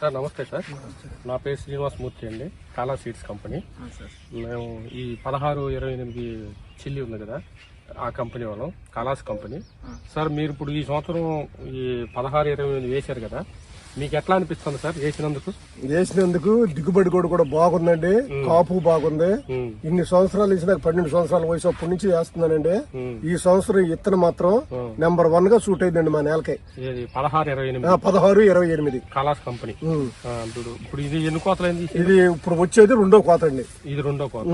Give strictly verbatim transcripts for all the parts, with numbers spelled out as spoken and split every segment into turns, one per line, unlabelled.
Sir నమస్తే sir, నా పేరు శ్రీనివాస్ మూర్తి అండి, కాలా సీడ్స్ కంపెనీ. మేము ఈ పదహారు ఇరవై ఎనిమిది చిల్లి ఉంది కదా, ఆ కంపెనీ వాళ్ళం, కలాస్ కంపెనీ. సార్ మీరు ఇప్పుడు ఈ సంవత్సరం ఈ పదహారు ఇరవై ఎనిమిది వేశారు కదా, మీకు ఎట్లా అనిపిస్తుంది సార్ వేసినందుకు?
వేసినందుకు దిగుబడి కూడా కూడా బాగుందండి, కాపు బాగుంది. ఇన్ని సంవత్సరాలు వేసిన పన్నెండు సంవత్సరాల వయసు అప్పటి నుంచి వేస్తున్నానండి. ఈ సంవత్సరం ఇత్తనం మాత్రం నెంబర్ వన్ గా సూట్ అయిందండి మా నేలకై.
పదహారు ఇరవై ఎనిమిది
పదహారు ఇరవై ఎనిమిది
కలాస్ కంపెనీ. ఇప్పుడు ఇది ఎన్ని కోతలైంది?
ఇది ఇప్పుడు వచ్చేది రెండో కోత అండి.
ఇది రెండో కోత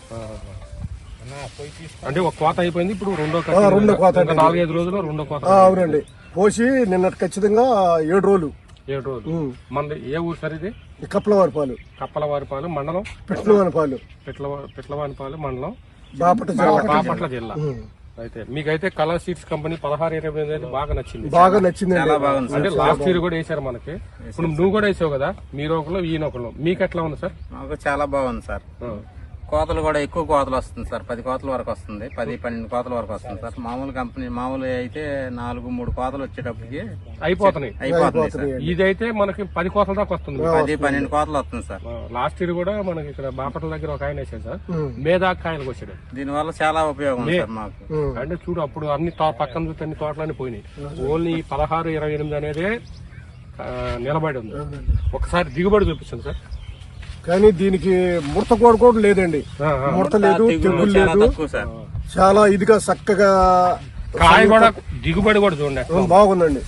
అంటే ఒక కోత అయిపోయింది, ఇప్పుడు రెండో
రెండో కోత
నాలుగైదు రోజులు రెండో కోత.
అవునండి, పోసి నిన్న ఖచ్చితంగా ఏడు రోజులు
ఏడు రోజులు. మన ఏ ఊరు సార్ ఇది?
కప్పలవారిపాలు.
కప్పలవారిపాలు మండలం,
పిట్లవానిపాలు.
పిట్ల పిట్లవానిపాలు మండలం,
బాపట్ల జిల్లా.
బాపట్ల జిల్లా. అయితే మీకైతే కలర్ సీడ్స్ కంపెనీ పదహారు ఇరవై అయితే బాగా నచ్చింది.
బాగా నచ్చింది
అంటే లాస్ట్ ఇయర్ కూడా వేసారు మనకి. ఇప్పుడు నువ్వు కూడా వేసావు కదా, మీరు ఒకళ్ళు ఈయన ఒకళ్ళు, మీకు ఎట్లా ఉంది సార్?
మాకు చాలా బాగుంది సార్. కోతలు కూడా ఎక్కువ కోతలు వస్తుంది సార్, పది కోతల వరకు వస్తుంది, పది పన్నెండు కోతల వరకు వస్తుంది సార్. మామూలు కంపెనీ మామూలు అయితే నాలుగు మూడు కోతలు వచ్చేటప్పటికి
అయిపోతున్నాయి
అయిపోతుంది సార్.
ఇదైతే మనకి పది కోతల దాకా వస్తుంది,
పది పన్నెండు కోతలు వస్తుంది సార్.
లాస్ట్ ఇయర్ కూడా మనకి ఇక్కడ బాపట్ల దగ్గర ఒక ఆయన వేసాడు సార్, మేదా కాయలకు వచ్చాడు.
దీని వల్ల చాలా ఉపయోగం సార్ మాకు.
అంటే చూడు, అప్పుడు అన్ని పక్కన చూస్తే అన్ని తోటలన్నీ పోయినాయి, ఓన్లీ పదహారు ఇరవై ఎనిమిది అనేది నిలబడి ఉంది. ఒకసారి దిగుబడి చూపిస్తుంది సార్.
కానీ దీనికి ముడత కూడా కూడా లేదండి, ముడత లేదు, తెగులు లేదు, చాలా ఇదిగా చక్కగా
కాయ కూడా దిగుబడి కూడా చూడండి
బాగుందండి.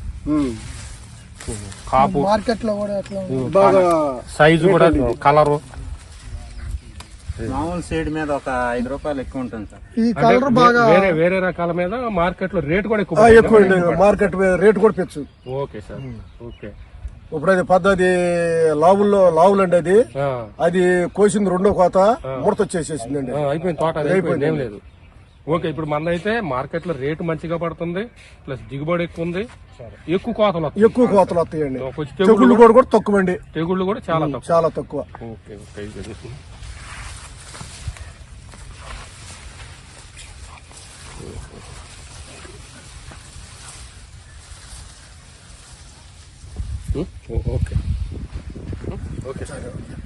కాపు
మార్కెట్ లో కూడా బాగా
సైజు కూడా కలరు
మామూలు సీడ్ మీద ఒక ఐదు రూపాయలు ఎక్కువ ఉంటుంది సార్.
ఈ కలర్ బాగా
వేరే వేరే రకాల మీద మార్కెట్ లో రేట్ కూడా ఎక్కువ
ఎక్కువ మార్కెట్ రేట్ కూడా పెచ్చు.
Okay sir, okay.
ఇప్పుడు అది పద్ధతి లావుల్లో లావులు అండి, అది అది కోసింది రెండో కోత ముడత వచ్చేసేసిందండి,
అయిపోయింది తోట, అయిపోయింది, ఏం లేదు. ఓకే, ఇప్పుడు మన అయితే మార్కెట్ లో రేటు మంచిగా పడుతుంది, ప్లస్ దిగుబడి ఎక్కువ ఉంది, ఎక్కువ కోతలు
ఎక్కువ కోతలు వస్తాయండి. తెగుళ్ళు కూడా కూడా తక్కువ అండి,
తెగుళ్ళు కూడా చాలా తక్కువ,
చాలా తక్కువ.
Okay okay. Okay okay sir.